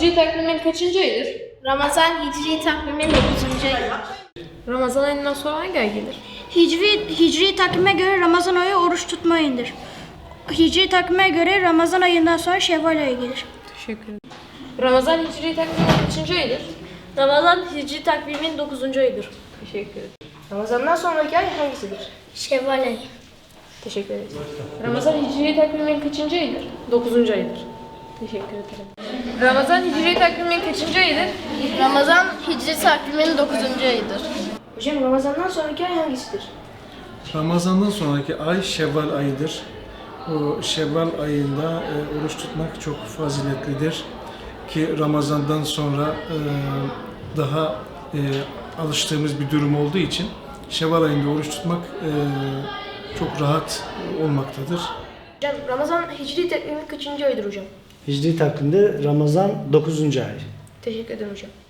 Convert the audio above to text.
Hicri takvimin kaçıncı ayıdır? Ramazan Hicri takvimin 9. ayı. Ramazan ayından sonra hangi ay gelir? Hicri takvime göre Ramazan ayı oruç tutma ayıdır. Hicri takvime göre Ramazan ayından sonra Şevval ayı gelir. Teşekkür ederim. Ramazan Hicri takvimin kaçıncı ayıdır? Ramazan Hicri takvimin 9. ayıdır. Teşekkür ederim. Ramazan'dan sonraki ay hangisidir? Şevval ayı. Teşekkür ederim. Ramazan Hicri takvimin kaçıncı ayıdır? 9. ayıdır. Teşekkür ederim. Ramazan Hicri takvimin kaçıncı ayıdır? Ramazan Hicri takvimin 9. ayıdır. Hocam Ramazan'dan sonraki ay hangisidir? Ramazan'dan sonraki ay Şevval ayıdır. O Şevval ayında oruç tutmak çok faziletlidir. Ki Ramazan'dan sonra daha alıştığımız bir durum olduğu için Şevval ayında oruç tutmak çok rahat olmaktadır. Hocam Ramazan Hicri takvimin kaçıncı ayıdır hocam? Hicri takvimde Ramazan 9. ay. Teşekkür ederim hocam.